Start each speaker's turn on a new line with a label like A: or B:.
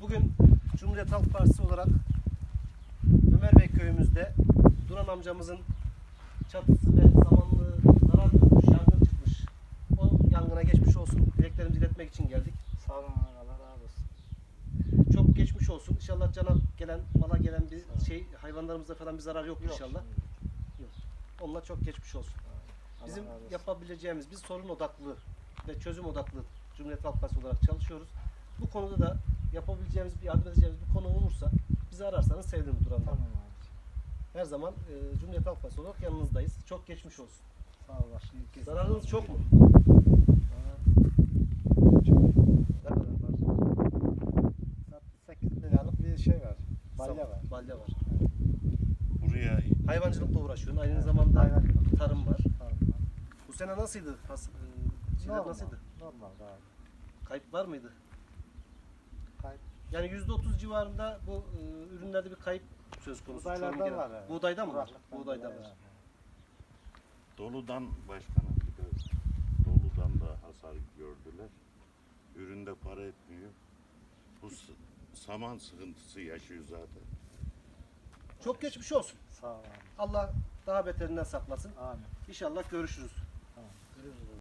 A: Bugün Cumhuriyet Halk Partisi olarak Ömerbey köyümüzde Duran amcamızın çatısı ve samanlığı zarar görmüş, yangın çıkmış. O yangına geçmiş olsun dileklerimizi iletmek için geldik.
B: Sağ olun, Allah razı olsun.
A: Çok geçmiş olsun. İnşallah cana gelen, mala gelen bir şey, hayvanlarımızda falan bir zarar yok inşallah. Yok. Onunla çok geçmiş olsun.
B: Allah
A: Bizim
B: razı olsun.
A: yapabileceğimiz, biz sorun odaklı ve çözüm odaklı Cumhuriyet Halk Partisi olarak çalışıyoruz. Bu konuda da yapabileceğimiz, yardım edeceğimiz bir konu olursa bizi ararsanız sevinirim Duran Bey.
B: Tamam abi.
A: Her zaman Cumhuriyet Halk Partisi olarak yanınızdayız. Çok geçmiş olsun.
B: Sağ ol bak şimdi.
A: Zararınız çok mu? Ne kadar var?
B: 8 liralık bir şey var. Balya
A: Sam-
B: var.
A: Balya var.
C: Buraya
A: Hayvancılıkla uğraşıyorsun. Aynı zamanda
B: Hayvancılık.
A: tarım var.
B: Tamam.
A: Bu sene nasıldı? Şeyler
B: Normal.
A: nasıldı?
B: Normal abi.
A: Kayıp var mıydı?
B: Kayıp.
A: Yani %30 civarında bu ürünlerde bir kayıp söz konusu.
B: Buğdaylardan
A: Çoğunun genel-
B: var yani.
A: Buğdaydan mı var?
B: Kuraklıktan
A: Buğdaydan
B: dolayı
A: var.
B: yani.
C: doludan başkanım bir de doludan da hasar gördüler. Üründe para etmiyor. Bu saman sıkıntısı yaşıyor zaten.
A: Çok geçmiş olsun.
B: Sağ ol abi.
A: Allah daha beterinden saklasın.
B: Amin.
A: İnşallah görüşürüz.
B: Tamam. Görüşürüz.